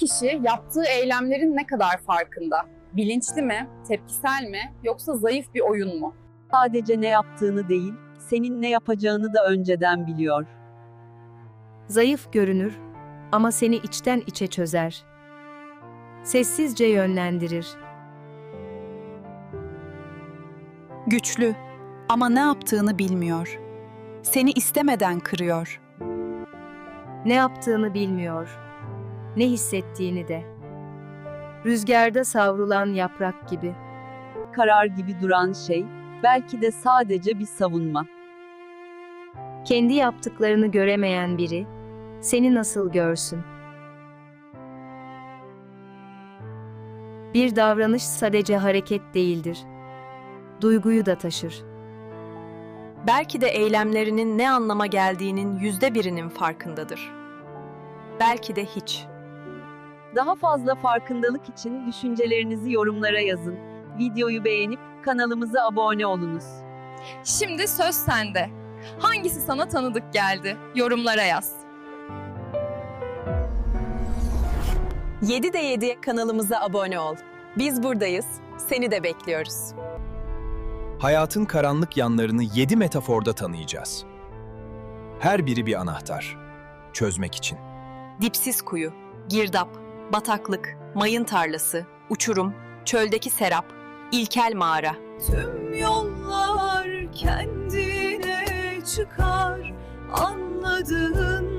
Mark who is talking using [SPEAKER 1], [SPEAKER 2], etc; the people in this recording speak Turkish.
[SPEAKER 1] kişi yaptığı eylemlerin ne kadar farkında? Bilinçli mi, tepkisel mi, yoksa zayıf bir oyun mu?
[SPEAKER 2] Sadece ne yaptığını değil, senin ne yapacağını da önceden biliyor.
[SPEAKER 3] Zayıf görünür ama seni içten içe çözer. Sessizce yönlendirir.
[SPEAKER 4] Güçlü ama ne yaptığını bilmiyor. Seni istemeden kırıyor.
[SPEAKER 3] Ne yaptığını bilmiyor, ne hissettiğini de. Rüzgarda savrulan yaprak gibi.
[SPEAKER 2] Karar gibi duran şey, belki de sadece bir savunma.
[SPEAKER 3] Kendi yaptıklarını göremeyen biri, seni nasıl görsün? Bir davranış sadece hareket değildir. Duyguyu da taşır.
[SPEAKER 5] Belki de eylemlerinin ne anlama geldiğinin %1'inin farkındadır. Belki de hiç.
[SPEAKER 2] Daha fazla farkındalık için düşüncelerinizi yorumlara yazın. Videoyu beğenip kanalımıza abone olunuz.
[SPEAKER 1] Şimdi söz sende. Hangisi sana tanıdık geldi? Yorumlara yaz.
[SPEAKER 5] 7'de 7 kanalımıza abone ol. Biz buradayız, seni de bekliyoruz.
[SPEAKER 6] Hayatın karanlık yanlarını 7 metaforda tanıyacağız. Her biri bir anahtar. Çözmek için.
[SPEAKER 5] Dipsiz kuyu, girdap, bataklık, mayın tarlası, uçurum, çöldeki serap, ilkel mağara.
[SPEAKER 4] Tüm yollar kendine çıkar, anladığın